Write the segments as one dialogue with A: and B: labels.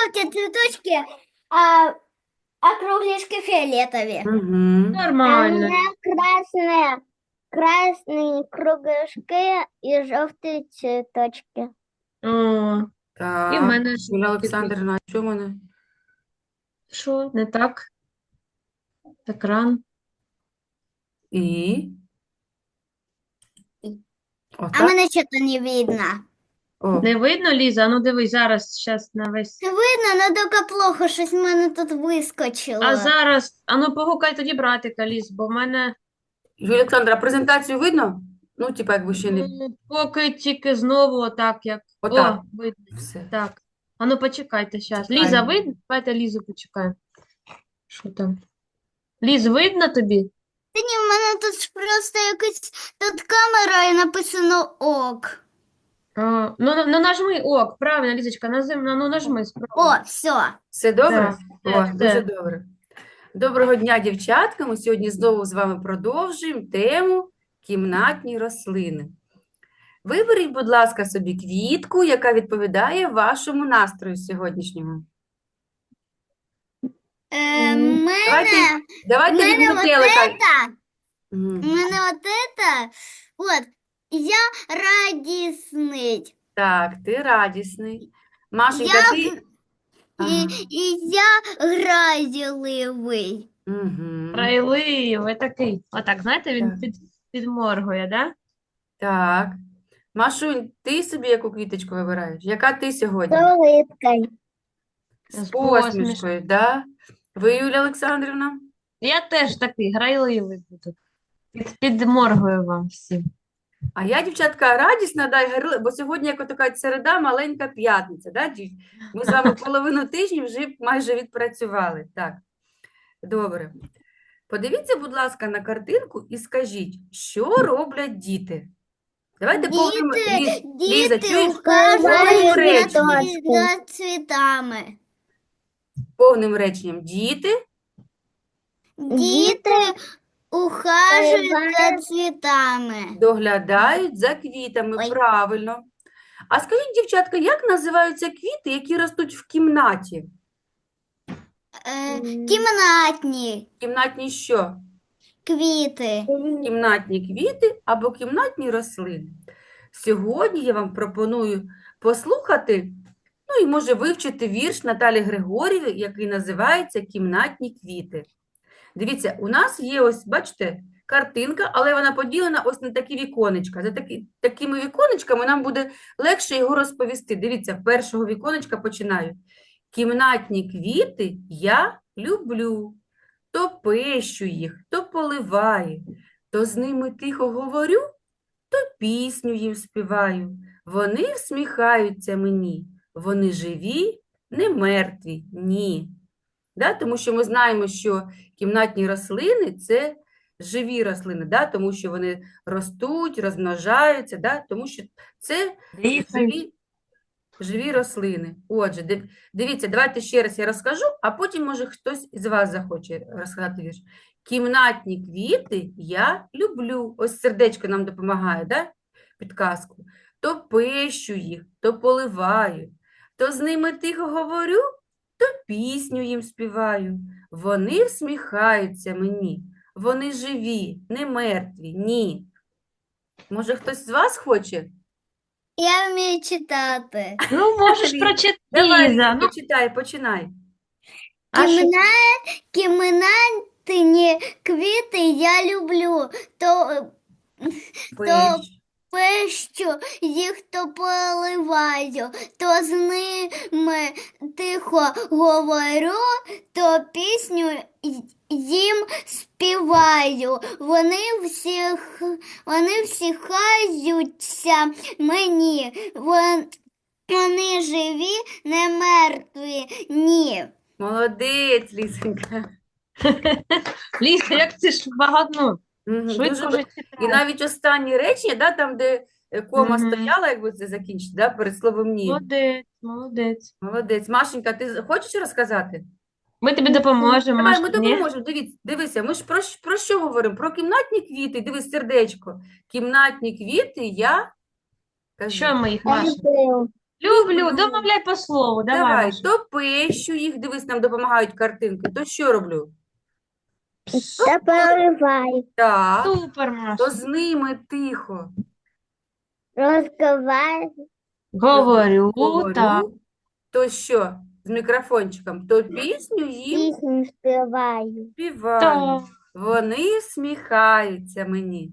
A: желтые цветочки, а кругляшки фиолетовые.
B: Угу.
C: Нормально.
A: Красные кругляшки и желтые цветочки.
C: О, і в
B: Так,
C: мене
B: Юлія
C: жовтий.
B: Олександрівна, а що в мене?
C: Що, не так? Екран.
B: І?
A: А
B: Отак?
A: мене что-то не видно.
B: О,
C: Не видно, Ліза? А ну дивись, зараз на весь.
A: Видно, но только плохо, щось в мене тут вискочило.
C: А зараз, а ну погукай тоді братика, Ліз, бо в мене
B: Юлія Олександра, презентацію видно? Ну, типа, якби ще не...
C: поки тільки знову отак, як.
B: Отак.
C: О, видно.
B: Все.
C: Так. А ну почекайте зараз.
B: Чекаємо.
C: Ліза, видно? Давайте Лізу почекаємо. Що там? Ліз, видно тобі?
A: Та ні, в мене тут просто якась тут камера і написано ок.
C: Ну нажми ок, правильно, Лізочка, ну нажми спробуй.
A: О, все.
B: Все добре?
C: Так,
B: О,
C: так,
B: дуже
C: так.
B: добре. Доброго дня, дівчатка. Ми сьогодні знову з вами продовжуємо тему кімнатні рослини. Виберіть, будь ласка, собі квітку, яка відповідає вашому настрою сьогоднішньому. Давайте від
A: мене
B: метелика.
A: это,
B: Мгм.
A: мене вот это, вот, я радісний.
B: Так, ти радісний. Машенька,
A: Я
B: ти...
A: І, і я гразливий.
B: Угу.
C: Райливий такий. Отак, знаєте, він
B: Так.
C: підморгує, да?
B: Так. Машунь, ти собі яку квіточку вибираєш? Яка ти сьогодні?
A: Улыбкою.
B: З
C: З
B: посмішкою, да? Ви, Юлія Олександрівна?
C: Я теж такий грайливий буду. Підморгую вам всім.
B: А я, дівчатка, радісна, да, і бо сьогодні, як така середа, маленька п'ятниця, да, Ми з вами половину тижня вже майже відпрацювали. Так, добре. Подивіться, будь ласка, на картинку і скажіть, що роблять діти? Давайте повним... Ліза, чуєш? Повним реченням.
A: за цвітами.
B: Повним реченням. Діти
A: Діти ухажують за цвітами.
B: доглядають за квітами,
A: Ой.
B: правильно. А скажіть, дівчатка, як називаються квіти, які ростуть в кімнаті?
A: Кімнатні
B: Кімнатні що?
A: квіти.
B: Кімнатні квіти або кімнатні рослини. Сьогодні я вам пропоную послухати, ну і може вивчити вірш Наталі Григорєвої, який називається «Кімнатні квіти». Дивіться, у нас є ось, бачите, картинка, але вона поділена ось на такі віконечка. За такими віконечками нам буде легше його розповісти. Дивіться, з першого віконечка починаю. Кімнатні квіти я люблю. То пещу їх, то поливаю, то з ними тихо говорю, то пісню їм співаю. Вони всміхаються мені, вони живі, не мертві, ні. Да? Тому що ми знаємо, що кімнатні рослини – це живі рослини, да? Тому що вони ростуть, розмножаються, да? Тому що це живі рослини. Отже, дивіться, давайте ще раз я розкажу, а потім, може, хтось із вас захоче розказати вірш. Кімнатні квіти я люблю. Ось сердечко нам допомагає, да? Підказку. То пещу їх, то поливаю, то з ними тихо говорю, то пісню їм співаю. Вони всміхаються мені, вони живі, не мертві, ні. Може, хтось з вас хоче?
A: Я вмію читати.
C: Ну, можеш
B: Ліз,
C: прочитати,
B: Давай,
C: Ліза. Ну,
B: почитай, починай.
C: а що?
A: Кімнатні квіти я люблю. То
B: Пещ.
A: пещу їх то поливаю, то з ними тихо говорю, то пісню їм співаю. Вони всіхаються мені. Вони живі, не мертві, ні.
B: Молодець, Лісенька.
C: Ліза, як це ж багато,
B: Мгм,
C: швидко
B: дуже
C: вже
B: І
C: читаєш.
B: навіть останні речення, да, там, де кома
C: Мгм.
B: стояла, якби це закінчити, да, перед словом «ні».
C: Молодець, молодець.
B: Молодець. Машенька, ти хочеш розказати?
C: Ми тобі допоможемо,
B: Давай, ми
C: Машка, ні?
B: допоможемо. Дивися, ми ж про що говоримо? Про кімнатні квіти. Дивись, сердечко. Кімнатні квіти я... Кажи.
C: Що ми їх, Маша? Люблю.
B: Люблю.
C: Домовляй по слову. Давай,
B: Давай,
C: Маша.
B: то пещу їх, дивись, нам допомагають картинки, то що роблю?
A: Та поливаю.
B: Так,
C: Супер,
B: то
C: Маша.
B: з ними тихо
A: Розговариваю.
C: Говорю, так.
B: говорю, то що? З мікрофончиком, то пісню їм
A: Пісню співаю.
B: співаю.
C: Так.
B: Вони сміхаються мені.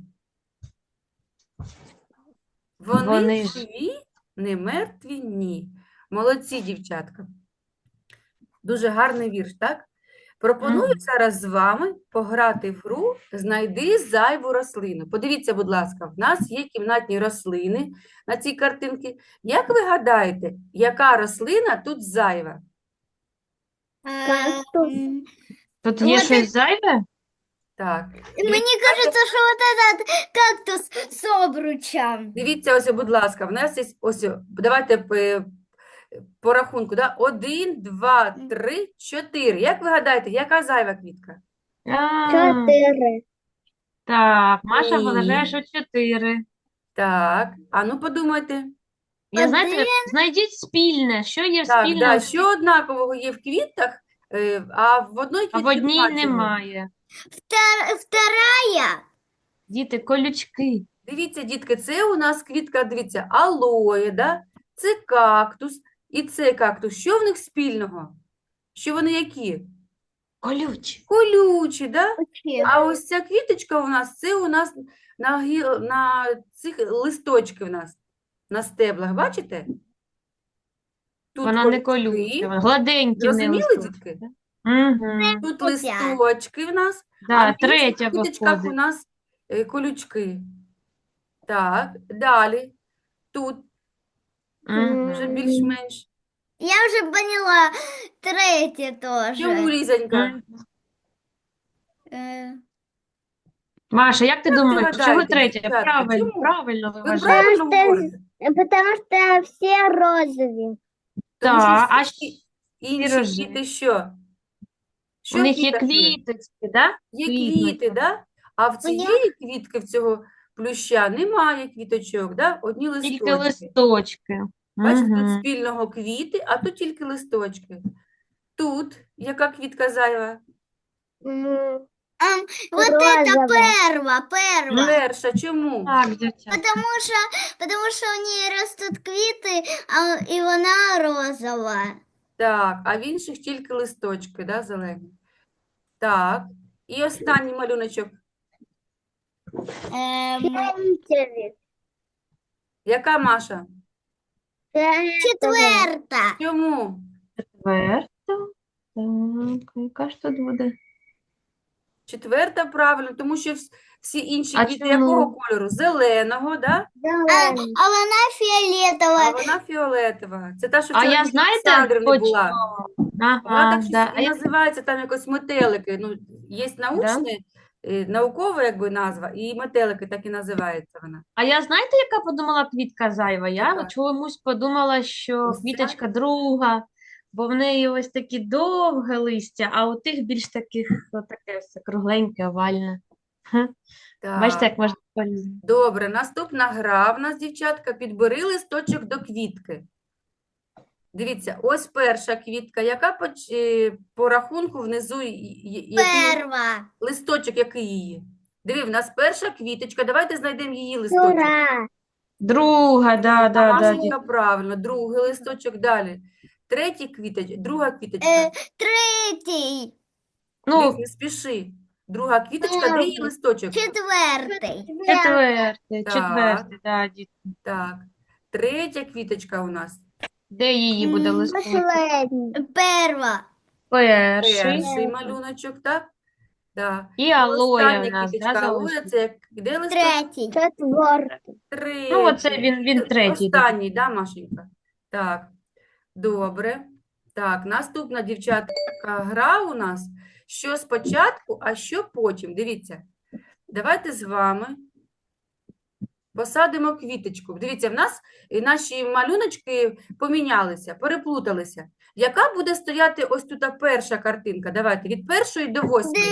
B: Вони
C: Вони ж.
B: живі, не мертві, ні. Молодці, дівчатка. Дуже гарний вірш, так? Пропоную
C: Мгм.
B: зараз з вами пограти в гру «Знайди зайву рослину». Подивіться, будь ласка, в нас є кімнатні рослини на цій картинці. Як ви гадаєте, яка рослина тут зайва?
A: Кактус.
C: Тут є
A: Вот
C: щось зайве?
B: Так.
A: Мені кажеться, що вот этот кактус з обручем.
B: Дивіться, ось, будь ласка, в нас є ось, давайте по рахунку, да? 1, 2, 3, 4. Як ви гадаєте, яка зайва квітка?
C: А,
A: 4.
C: так, Маша
B: Ні.
C: вважає, що 4.
B: Так, а ну подумайте.
C: Я, знаєте, знайдіть спільне. Що є
B: Так,
C: спільне,
B: да, що однакового є в квітах, а в одної
C: а в
B: квітки
C: одній
B: нема цього.
C: немає?
A: Вторая.
C: Діти, колючки.
B: Дивіться, дітки, це у нас квітка, дивіться, алоє, да? Це кактус і це кактус. Що в них спільного? Що вони які?
C: Колючі.
B: Колючі, да?
A: Вообще.
B: А ось ця квіточка у нас, це у нас на цих листочки у нас, на стеблах, бачите? Тут
C: Вона не
B: колючки,
C: колюча, вона гладенькі в неї
B: зрозуміли,
C: листочки.
B: дітки?
C: Угу.
B: Тут
A: Опять.
B: листочки в нас, а
C: Да,
B: в інших
C: третя
B: квіточках у
C: виходить.
B: нас колючки. Так, далі. Тут вже
C: Угу.
B: більш-менш.
A: Я вже поняла. Третє теж.
B: Чому, Лізонька?
C: Мгм.
A: Е,
C: Маша, як ти
B: Як ви
C: думаєш, чого
B: гадаєте,
C: третя?
B: дівчатка,
C: Правильно,
B: чому?
C: правильно ви
B: Ви
C: вважаєте.
B: правильно
A: Потому що-
B: говорите?
A: Потому що всі розові.
B: Тому що
C: Так, а
B: всі інші
C: рожеві.
B: квіти що? Що
C: у
B: в
C: них є
B: квітах є?
C: квіточки, да?
B: Є
C: Квітнуть.
B: квіти, да? А в цієї квітки, в цього плюща, немає квіточок, да? Одні
C: Тільки
B: листочки.
C: листочки.
B: Бачите, тут
C: Угу.
B: спільного квіти, а тут тільки листочки. Тут яка квітка зайва?
A: Вот это перва.
B: Перша. Чому?
C: Так, дівчата.
A: Потому що у неї ростуть квіти, і вона розова.
B: Так, а в інших тільки листочки, да, зелені. Так, і останній малюночок. Яка, Маша?
A: Четверта.
B: Чому?
C: Четверта. Так, яка ж тут буде?
B: Четверта, правильно, тому що всі інші
C: А
B: квіти
C: чому?
B: якого кольору? Зеленого, да?
A: А вона
B: А
A: фіолетова.
B: вона фіолетова. Це та, що
C: А
B: вчора
C: я,
B: в
C: знаєте,
B: Олександрівни
C: по
B: була.
C: чому?
B: Вона
C: Ага,
B: так щось
C: да.
B: і називається, там якось метелики. Ну, є научне, наукова якби назва, і метелики так і називається вона.
C: А я знаєте, яка подумала квітка зайва? Я
B: Яка?
C: чомусь подумала, що
B: Ось ця?
C: квіточка друга, бо в неї ось такі довге листя, а у тих більш таких таке все кругленьке, овальне. Хе. Бачите,
B: Так.
C: як можна по-різному.
B: Добре, наступна гра в нас, дівчатка, підбери листочок до квітки. Дивіться, ось перша квітка, яка по рахунку внизу, який
A: Перва.
B: листочок, який її? Диви, в нас перша квіточка, давайте знайдемо її листочок.
A: Ура.
C: Друга, да, да, да.
B: Машенька, правильно, другий листочок далі. Третій квіточка, друга квіточка.
A: Третій.
C: Ну,
B: Ліз, не спіши. Друга квіточка, де її листочок?
A: Четвертий.
C: четвертий, да, дітки.
B: Так. Третя квіточка у нас.
C: Де її буде листочок?
A: Перва.
C: Перший.
B: Перший малюночок, так? Так.
C: І алоє
B: Остання
C: в нас,
B: квіточка
C: да,
B: алоє,
C: залишилось?
B: це де листочок?
A: Третій. Четвертий.
B: Третій.
C: Ну, оце він третій.
B: Останній, да, Машенька? Так, добре. Так, наступна, дівчатка, гра у нас. Що спочатку, а що потім. Дивіться, давайте з вами посадимо квіточку. Дивіться, в нас наші малюночки помінялися, переплуталися. Яка буде стояти ось тут перша картинка? Давайте, від першої до восьмої.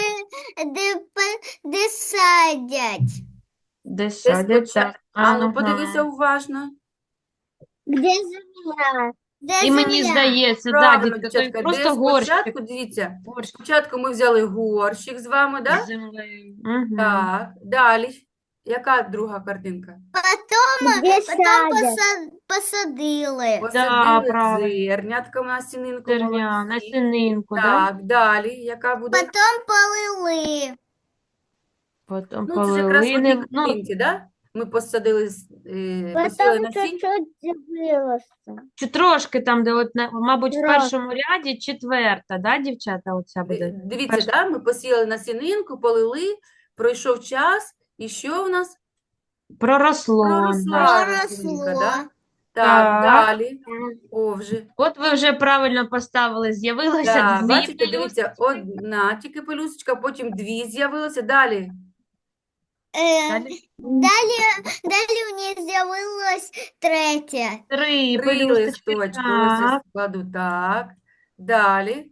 A: Де садять.
C: Де
B: Це
C: садять,
B: спочатку.
C: так.
B: Ану,
C: Ага.
B: подивися уважно.
A: Где земля? Де
C: І мені
A: земля?
C: здається, да,
B: Правильно,
C: дітка, то
B: дівчатка,
C: просто
B: де
C: горщик
B: спочатку, дивіться,
C: горщик
B: спочатку ми взяли горщик з вами,
C: з
B: да?
C: землею. Угу.
B: Так, далі. Яка друга картинка?
A: Где потом посадили.
C: Да,
B: Посадили
C: правильно.
B: зернятка на сінинку,
C: Зерня, на
B: молодці.
C: сининку, да?
B: Так, далі, яка буде?
A: Потом полили.
C: Потім
B: Ну, це ж якраз в одній
C: полили. Ну,
B: картинці, да? Ми посадили, посіяли
A: Потом
B: насіння.
A: чуть-чуть выросла.
C: чи трошки там, де от, мабуть, в
A: Трошки.
C: першому ряді четверта, да, дівчата, оця буде?
B: Дивіться,
C: Перша.
B: да? Ми посіяли насінинку, полили, пройшов час, і що в нас?
C: Проросло.
B: Проросла
C: наша.
B: рослинка,
A: Проросло.
B: да?
C: Так.
B: Так, далі. О, вже.
C: От ви вже правильно поставили, з'явилося
B: Так,
C: дві
B: бачите, дивіться,
C: пелюсточки.
B: одна тільки пелюсточка, потім дві з'явилося. Далі.
C: Далі
A: Далі в ній з'явилось третє.
C: три
B: Три
C: пелюсточки.
B: листочки. Ось я
C: Так.
B: складу так. Далі.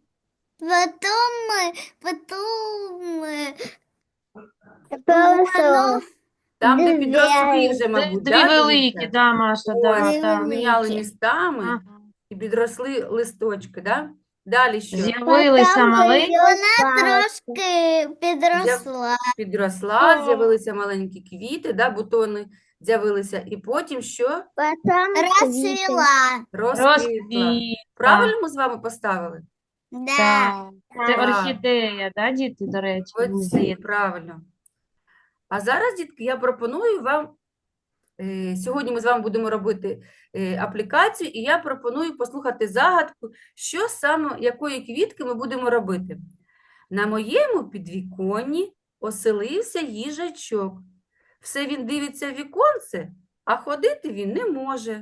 A: Воно
B: Там, де
A: Дві.
B: підросли вже, мабуть,
C: Дві
B: да,
C: великі,
B: дивіться?
C: да, Маша, да,
B: Ось,
A: Дві
C: так.
B: поміняли
A: великі.
B: містами
C: Ага.
B: і підросли листочки, да? Далі що?
C: З'явилися маленькі.
A: вона трошки підросла.
B: Підросла,
C: О.
B: з'явилися маленькі квіти, да, бутони з'явилися. І потім що?
A: Розцвіла.
B: Розквітла.
C: Розквітла.
B: Правильно ми з вами поставили?
A: Да.
C: Так. Це
B: Так.
C: орхідея, да, діти, до речі, мені
B: Оці,
C: здається.
B: правильно. А зараз, дітки, я пропоную вам, сьогодні ми з вами будемо робити аплікацію, і я пропоную послухати загадку, що саме, якої квітки ми будемо робити. На моєму підвіконні оселився їжачок. Все він дивиться в віконце, а ходити він не може.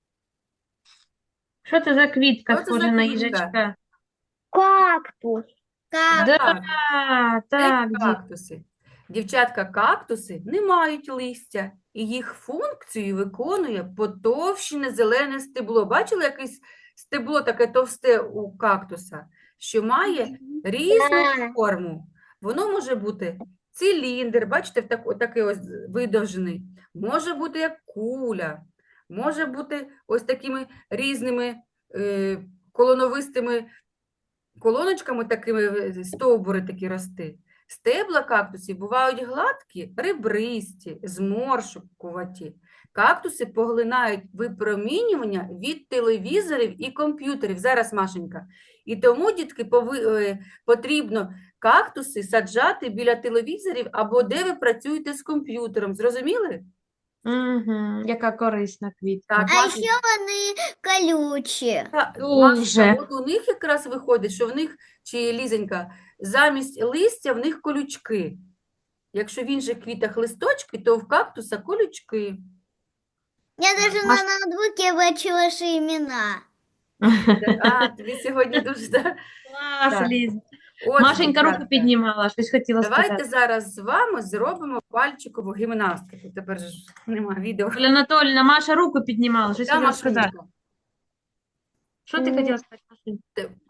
C: Що це за квітка,
B: Що це за
C: схожа на
B: квітка?
C: їжачка?
A: Кактус.
C: Да,
B: Це
C: так, діти.
B: кактуси. Дівчатка, кактуси не мають листя, і їх функцію виконує потовщене зелене стебло. Бачили якесь стебло таке товсте у кактуса, що має різну
A: Так.
B: форму. Воно може бути циліндр, бачите, такий ось видовжений, може бути як куля, може бути ось такими різними колоновистими колоночками такими стовбури такі рости. Стебла кактусів бувають гладкі, ребристі, зморшкуваті. Кактуси поглинають випромінювання від телевізорів і комп'ютерів. Зараз, Машенька. І тому, дітки, потрібно кактуси саджати біля телевізорів або де ви працюєте з комп'ютером. Зрозуміли?
C: Угу, яка корисна квітка.
B: Так,
A: А
B: Машенька.
A: ще вони колючі.
C: Дуже.
B: Машенька, от у них якраз виходить, що в них, чи Лізонька, замість листя в них колючки. Якщо в інших квітах листочки, то в кактуса колючки.
A: Я навіть
C: Маш-
A: на ноутбуці бачу ваші імена.
B: А, тобі сьогодні дуже...
C: Клас,
B: Так.
C: Ліз.
B: Отже,
C: Машенька руку
B: дівчатка,
C: піднімала, щось хотіла
B: давайте
C: сказати.
B: зараз з вами зробимо пальчикову гімнастику. Тепер ж немає відео.
C: Оля Анатольевна, Маша руку піднімала, щось
B: Да,
C: хотіла сказати.
B: Машенька?
C: Що ти хотіла сказати, Машенька?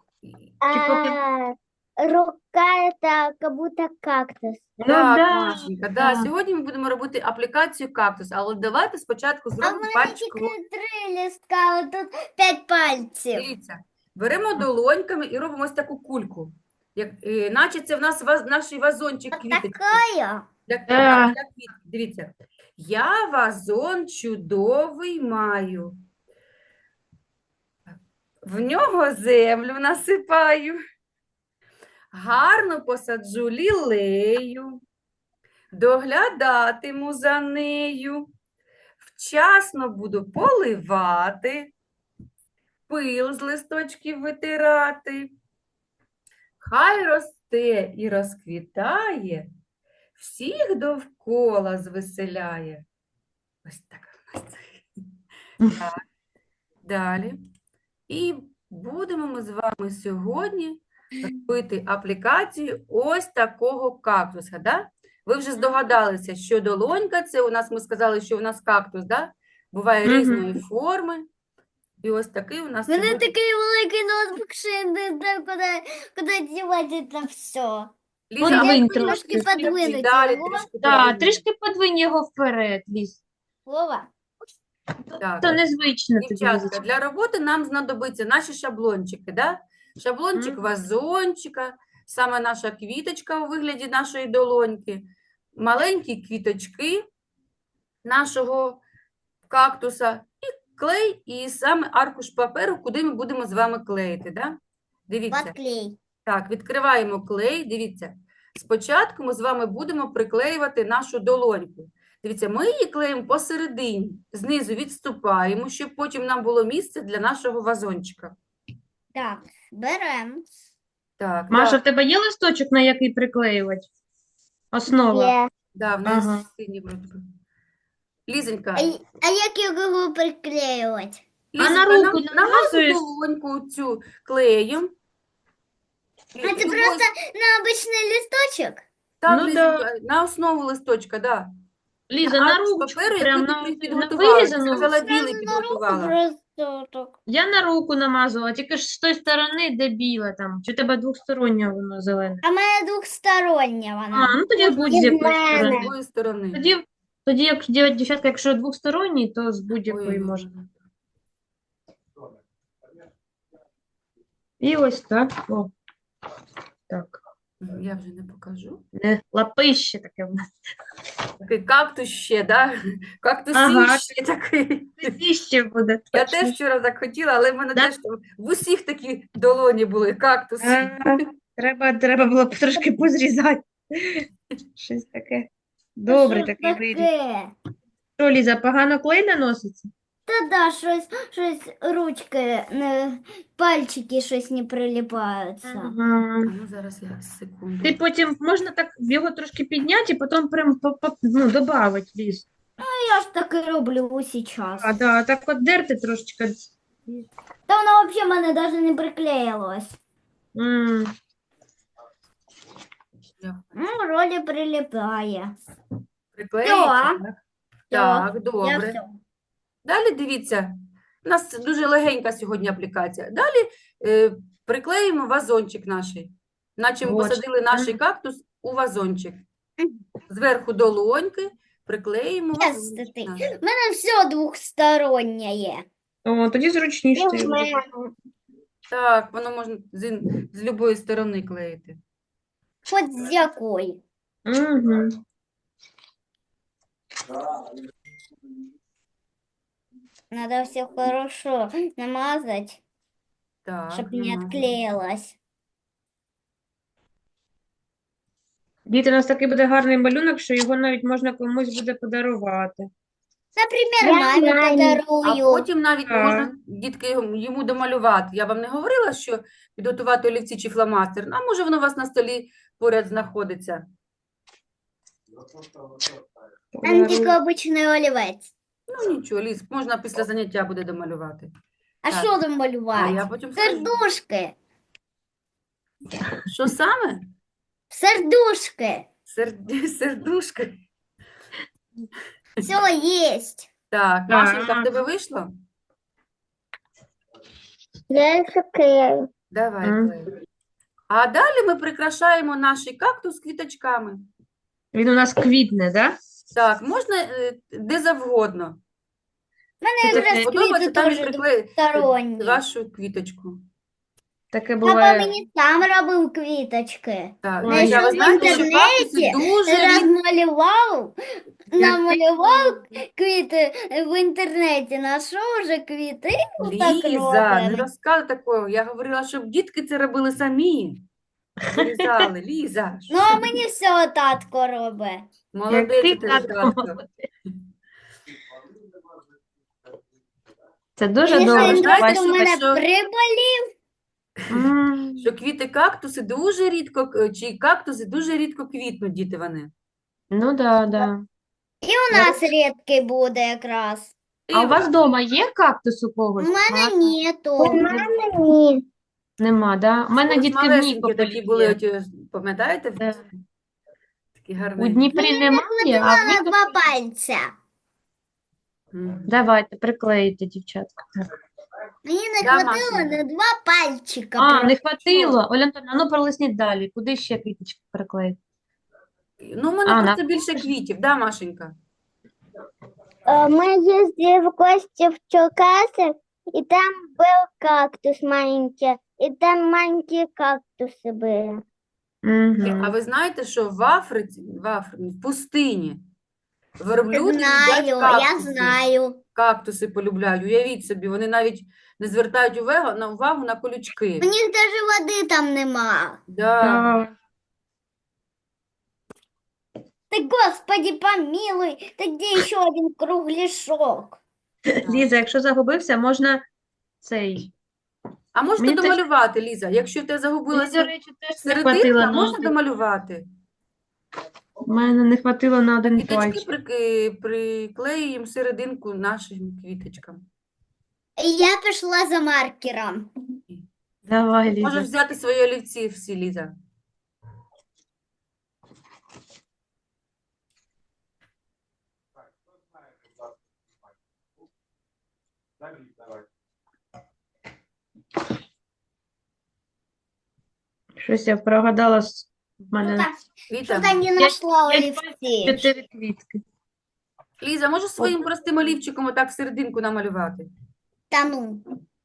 A: Рука это как будто кактус.
C: Ну,
B: Так,
C: да,
B: Машенька, да.
C: да.
B: Сьогодні ми будемо робити аплікацію кактус, але давайте спочатку
A: А в
B: зробимо
A: мене
B: пальчикову.
A: тільки 3 листка, а тут 5 пальців.
B: Дивіться, беремо долоньками і робимо ось таку кульку. Наче це в нас наш вазончик квіточки.
A: Такая.
C: Да.
B: Дивіться. Я вазон чудовий маю. В нього землю насипаю. Гарно посаджу лілею. Доглядатиму за нею. Вчасно буду поливати. Пил з листочків витирати. Хай росте і розквітає, всіх довкола звеселяє. Ось така в нас. Так. Далі. І будемо ми з вами сьогодні робити аплікацію ось такого кактуса. Да? Ви вже здогадалися, що долонька, це у нас, ми сказали, що у нас кактус, да? Буває
C: Мгм.
B: різної форми. І ось такий у нас
A: У мене
B: сьогодні.
A: такий великий ноутбук, що я не знаю, куди дівати це все.
B: Ліза,
C: Подвинь
B: а ви
C: трошки.
B: трішки
A: подвинуть
B: далі,
A: його.
B: трішки
C: Так,
B: подвинь.
C: трішки подвинь його вперед, Ліз.
A: Вова.
B: Так.
C: То незвично тобі,
B: Дівчатка,
C: Лізочка.
B: для роботи нам знадобиться наші шаблончики, да? Шаблончик
C: Мгм.
B: вазончика, саме наша квіточка у вигляді нашої долоньки, маленькі квіточки нашого кактуса і клей, і саме аркуш паперу, куди ми будемо з вами клеїти, да? Дивіться.
A: Подклей.
B: Так, відкриваємо клей. Дивіться, спочатку ми з вами будемо приклеювати нашу долоньку. Дивіться, ми її клеїмо посередині, знизу відступаємо, щоб потім нам було місце для нашого вазончика.
A: Так, берем.
B: Так,
C: Маша, в тебе є листочок, на який приклеювати? Основа.
A: Є.
B: да, в неї
C: Ага.
B: синій вроде би. Лізонька,
A: А як його приклеювати?
C: А на
B: Лізонька,
C: руку
B: на нашу
C: намазуєш?
B: долоньку цю клеєм.
A: А це просто на обичний листочок?
B: Так,
C: Ну
B: Лізонька, на основу листочка, да.
C: Ліза,
B: На
C: на
B: аркуш
C: ручку,
B: паперу,
C: прям
B: який
C: на,
B: ти
C: на
B: підготувала. Ти
C: вирізану.
B: сказала, білий
A: Зразу на руку
B: підготувала.
A: просто так.
C: Я на руку намазувала, тільки ж з тої сторони, де біле там. Чи у тебе двохстороннє воно зелене?
A: А в мене двохстороння вона.
C: А, ну тоді
A: Можна
C: будь-з
A: і в
C: якої
A: мене.
B: З
C: сторони.
B: якої сторони?
C: Тоді як дівчатка, якщо двохсторонній, то з будь-якої
B: Ой-ой-ой.
C: можна. І ось так. О. Так.
B: Я вже не покажу.
C: Не, лапище таке в нас.
B: Такий кактус ще, да?
C: Ага.
B: Кактусіще такий.
C: Лапище буде.
B: Я
C: точно.
B: теж вчора так хотіла, але в мене
C: Да?
B: теж там в усіх такі долоні були кактуси.
C: Треба було б трошки позрізати. Щось таке. Добре
A: Що ж
C: такий виріз.
A: таке?
C: Що, Ліза, погано клей наноситься?
A: Та да, щось ручки, пальчики щось не прилипаються.
C: Ага.
B: Ну, зараз я секунду.
C: Ти потім можна так його трошки підняти і потім прям добавити, Ліз.
A: Я ж так і роблю зараз.
C: А, да, так от дерти трошечки.
A: Та воно взагалі в мене навіть не приклеїлось.
C: М.
B: Я
A: Ну, вроді прилипає.
B: приклеїться,
A: Всьо.
B: так?
A: Всьо.
B: Так,
A: Я
B: добре.
A: все.
B: Далі дивіться, у нас дуже легенька сьогодні аплікація. Далі приклеїмо вазончик наш, наче ми
C: Вот.
B: посадили наш кактус у вазончик. Зверху долоньки приклеїмо вазончик
A: Тестити.
B: наш.
A: У мене все двохстороннє є.
C: О, тоді зручніше.
A: І
C: тобі
A: в
C: буде.
A: мене.
B: Так, воно можна з любої сторони клеїти.
A: Хоч з якої.
C: Мгм.
A: Надо все хорошо намазать,
B: Так,
A: чтобы не
B: намазуємо.
A: отклеилось.
C: Діти, у нас такий буде гарний малюнок, що його навіть можна комусь буде подарувати.
A: Например, маме
B: А
A: подарую.
B: потім навіть
C: Так.
B: можна, дітки, йому домалювати. Я вам не говорила, що підготувати олівці чи фломастер. А може воно у вас на столі поряд знаходиться.
A: Там тільки обичний олівець.
B: Ну нічого, Ліз, можна після заняття буде домалювати.
A: А
B: Так.
A: що там
B: А
A: малювати?
B: я потім скажу.
A: Сердушки.
B: Що саме?
A: Сердушки.
B: Сердушка.
A: Все есть.
B: Так, Машенька, в
C: Так.
B: тебе вийшло?
A: Я клею.
B: Давай,
C: Мгм.
B: клей. А далі ми прикрашаємо наш кактус квіточками.
C: Він у нас квітне, да?
B: Так, можна де завгодно.
A: У мене
C: Це
A: якраз
C: таке-
B: Подобається,
A: квіти
B: там і
A: теж
B: приклеїти
A: двосторонні.
B: вашу квіточку.
C: Таке
A: Папа
C: буває.
A: мені сам робив квіточки.
B: Так,
C: Ой,
B: Ліза, ви
A: знайшов в
B: знаєте, що кактуси
A: інтернеті,
B: дуже рідко.
A: намалював квіти в інтернеті, знайшов вже квіти, так
B: Ліза, не
A: робимо.
B: розказуй такого. Я говорила, щоб дітки це робили самі. Вирізали. Ліза,
A: Ну, а мені все татко робить.
B: молодець
C: ти,
B: у тебе
C: татко,
B: татко.
C: Це дуже
A: Мені
B: добре.
A: ще
C: добре.
B: Знаєте,
A: інтерес у мене
B: що-
A: приболів.
C: М.
B: Що квіти кактуси дуже рідко, чи кактуси дуже рідко квітнуть, діти вони.
C: Ну да, да.
A: І у нас рідкий буде якраз.
C: А у вас вдома є кактус у
A: У
C: когось?
A: мене
C: А,
A: нету.
B: ні.
C: Нема, да? У мене
B: Ось
C: дітки в
B: малесенькі
C: Нікополі
B: такі були,
C: є.
B: оті, пам'ятаєте?
C: Да.
B: Такі
C: У
B: гарненькі.
C: Дніпрі немає, а в
A: На
C: Нікополі...
A: два пальця.
B: Мгм.
C: Давайте, приклеїте, дівчатка. Так.
A: Мені не
B: Да,
A: хватило
B: Машенька.
A: на два пальчика.
C: А,
A: просто.
C: не хватило. Оля Антонівна, ну пролисніть далі. Куди ще квіточки приклеїти?
B: Ну, в мене
C: А,
B: просто
C: на-
B: більше квітів, да, Машенька?
A: Мы ездили в гости в Черкассы, и там был кактус маленький, и там маленькие кактусы были.
B: А
C: Угу.
B: ви знаєте, що в Африці, в пустині, верблюди їдять
A: Я
B: кактуси.
A: знаю.
B: Кактуси полюбляють. Уявіть собі, вони навіть не звертають увагу на колючки.
A: У них даже воды там нема.
B: Да.
C: Так.
A: Ты, Господи, помилуй, ты где еще один кругляшок?
C: Ліза, якщо загубився, можна цей.
B: А можете
C: Мені теж-
B: домалювати, Ліза? Якщо в тебе
C: Мені, до
B: загубилася
C: речі, теж не хватило
B: серединка,
C: на
B: можна
C: один.
B: домалювати.
C: У мене не хватило на один
B: Квіточки
C: пальчик.
B: приклеюємо серединку нашим квіточкам.
A: Я пошла за маркером.
C: Давай,
B: Можеш
C: Ліза.
B: взяти свої олівці всі, Ліза.
C: Щось я прогадала. В мене
B: Віта,
A: Что-то не нашла
C: я
A: олівці.
C: 4 квітки.
B: Ліза, можеш своїм простим олівчиком отак серединку намалювати?
A: Да ну.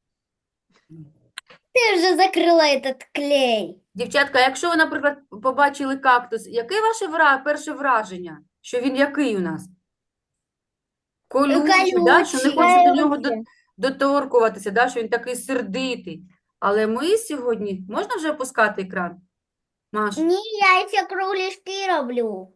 A: Ты уже закрыла этот клей.
B: Дівчатка, якщо ви, наприклад, побачили кактус, яке ваше перше враження? Що він який у нас? Колючий, да? Що не
A: Колючий.
B: хочеться до нього
A: Колючий.
B: доторкуватися, да? Що він такий сердитий. Але ми сьогодні... Можна вже опускати екран? Маш?
A: Не, я эти кругляшки роблю.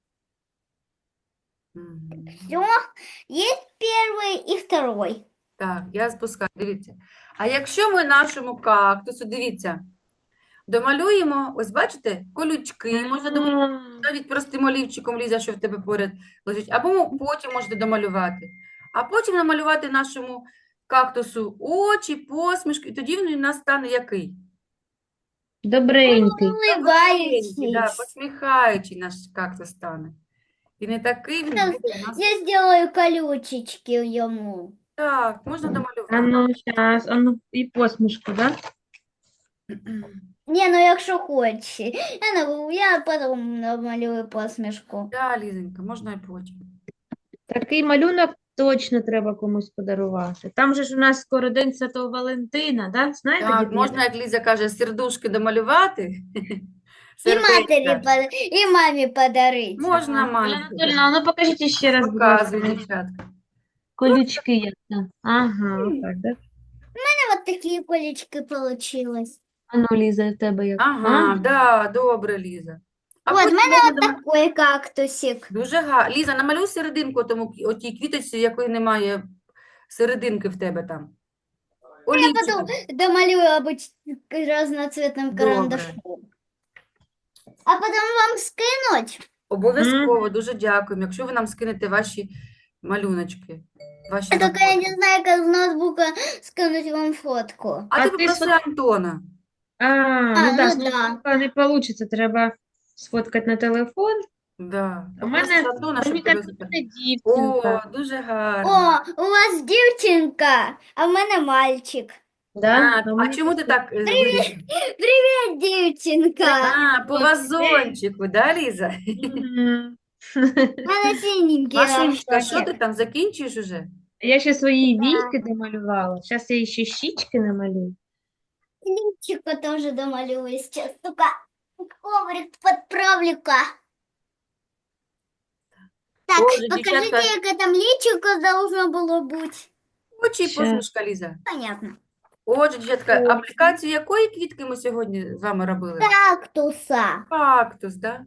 B: Мгм.
A: Все, есть первый и второй.
B: Так, я спускаю, дивіться. А якщо ми нашому кактусу, дивіться, домалюємо, ось бачите, колючки, можна домалювати навіть простим олівчиком, Ліза, що в тебе поряд лежить, або потім можете домалювати. А потім намалювати нашому кактусу очі, посмішки, і тоді він у нас стане який?
C: Добренький.
B: Добренький, да,
A: Улыбающийся.
B: посміхаючий наш кактус стане. І не такий він
A: Сейчас
B: буде у нас.
A: Я сделаю колючечки ему.
B: Так, можна
C: А
B: домалювати.
C: ну, зараз, а ну, і посмішку, да?
A: Не, ну якщо хочеш. Я потом намалюю посмішку.
B: Да, Лізенька, можна і потім.
C: Такий малюнок точно треба комусь подарувати. Там же ж у нас скоро День Святого Валентина, да? Знаєте,
B: Так,
C: дітки?
B: можна, як Ліза каже, сердушки домалювати.
A: І матері,
B: Сердечка.
A: і мамі подарить.
B: Можна,
C: Оля
B: мамі.
C: Анатольевна, ну покажіть ще раз, будь ласка,
B: Показуй, дівчатка.
C: колючки як там. Ага, отак, да?
A: Вот такие колечки получилось.
C: А ну, Ліза, в тебе як?
B: Ага, да, добре, Ліза. А
A: Вот, в
B: потім
A: мене
B: можна
A: от такий кактусик.
B: Дуже гарно. Ліза, намалюй серединку тому отій квіточці, якої немає серединки в тебе там. Олівчиком.
A: Домалюю разноцветным
B: Добре.
A: карандашом. А потом вам скинуть.
B: Обов'язково, дуже дякуємо, якщо ви нам скинете ваші малюночки, ваші
A: Только я
B: роботи.
A: не знаю, как с ноутбука скинуть вам фотку.
B: А
C: А
B: ти
C: ти
B: попроси Антона.
C: Ну да,
A: ну да.
C: не вийде, треба сфоткати на телефон.
B: Да.
C: У
B: Попроси
C: мене,
B: Антона, щоб
C: мені
B: тебе
C: так
B: записати.
C: буде дівчинка.
B: О, дуже гарно.
A: О, у вас дівчинка, а в мене мальчик.
C: Да?
B: А чому ти так вирішила?
A: Привіт, дівчинка.
B: А, по вазончику, да, Ліза?
C: Мгм.
A: У мене синенький
B: Машенька, що
A: лапшотик.
B: ти там, закінчуєш уже?
C: Я ще свої війки домалювала. Зараз я ще щічки намалюю.
A: Личико тоже домалюю сейчас. Только коврик подправлю-ка. Так,
B: Боже,
A: покажите,
B: дівчатка.
A: яке там личико должно було бути.
B: Очі і
C: Ще.
B: посмішка, Ліза.
A: Понятно.
B: Отже, дівчатка, аплікацію якої квітки ми сьогодні з вами робили?
A: Кактуса.
B: Кактус, да?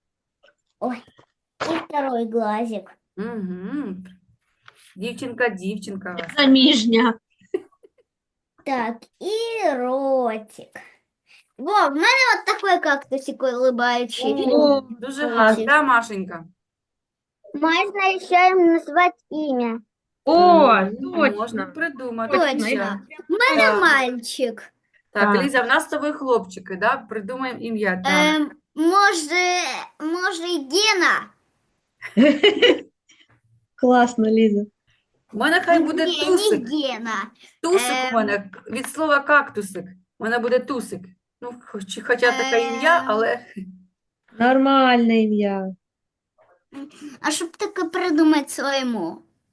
A: И второй глазик.
B: Угу. Дівчинка у вас.
C: Заміжня.
A: Так, и ротик. Во, в мене вот такой кактусик улыбающий.
C: О,
B: Дуже
C: клас.
B: гарно, да, Машенька?
A: Можно еще им назвать имя.
C: О,
B: Можна
C: точно.
B: придумати.
A: Точно.
B: дівчатка.
A: У мене
B: Так.
A: мальчик.
B: Так,
C: Так.
B: Ліза, в нас з тобою хлопчики, да? Придумаємо ім'я. Так.
A: Може, і Гена?
C: Класно, Ліза.
B: У мене хай буде
A: Ні,
B: тусик.
A: не Гена.
B: Тусик у мене від слова кактусик. У мене буде тусик. Ну, хоча таке ім'я, але
C: Нормальне ім'я.
A: А щоб таке придумати своєму?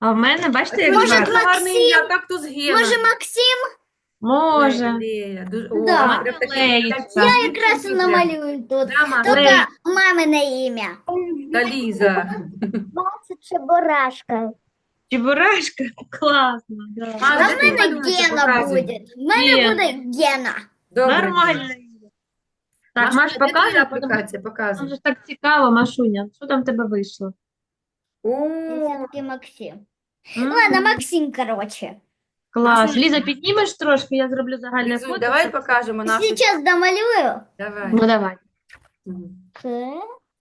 C: А в мене, бачите, як
A: Може,
C: гарно?
B: Гарне ім'я, кактус Гена.
A: Може, Максим?
C: Може.
B: Лея.
A: Да.
B: О, прям таке
C: Леєчка.
B: красиве
A: Якраз
B: ім'я.
A: намалюю тут.
B: Да, Маша,
A: Только мамине ім'я.
B: та Ліза.
A: Бачить, Чебурашка.
C: Чебурашка? Класно, да.
B: Маш,
A: А
B: де
A: в
B: ти
A: мене
B: малюночок
A: Гена
B: показуй?
A: буде. В мене
C: Гена.
A: буде Гена.
B: Добре.
C: Нормально. Так, Маш,
B: Машуня, де твоя
C: показуй,
B: аплікація?
C: Нам
B: Показуй.
C: же так цікаво, Машуня. Що там в тебе вийшло?
B: О,
A: Все-таки Максим.
C: М,
A: Ладно, Максим, короче.
C: Клас.
B: Машуня.
C: Ліза, піднімеш трошки, я зроблю загальне
B: Лізунь,
C: фото.
B: давай покажемо нашу.
A: Сейчас домалюю.
B: Давай.
C: Ну, давай.
B: Мгм.
A: К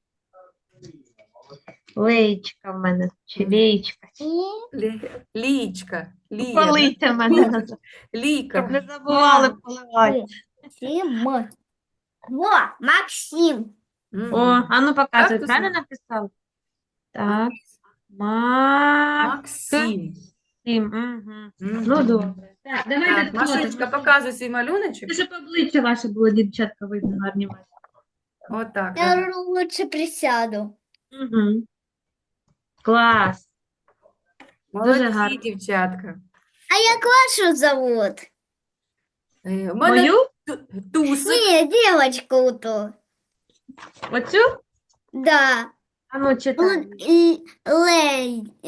C: Леєчка в мене, чи леєчка.
A: и
B: Лічка. Лія.
C: Полийте мене, щоб
B: Ліка.
C: не забували поливати.
A: Максим. Во, Максим.
B: Мгм.
C: О, а ну показуй,
B: Кактус.
C: правильно написав? Так. Максим.
B: Максим.
C: Мгм.
B: Мгм.
C: Ну, добре. Так, давайте
B: Так, Машунечка, показуй свій малюночок.
C: Це щоб обличчя ваше було, дівчатка, видно, гарні ваші.
B: Отак.
A: Я лучше присяду.
C: Угу. Клас.
B: Молодці,
C: гарно.
B: дівчатка.
A: А як вашу зовут?
B: У мене
C: Мою?
B: Тусик.
A: Не, девочку ту.
C: Оцю?
A: Да.
C: А ну, читай.
A: Лей.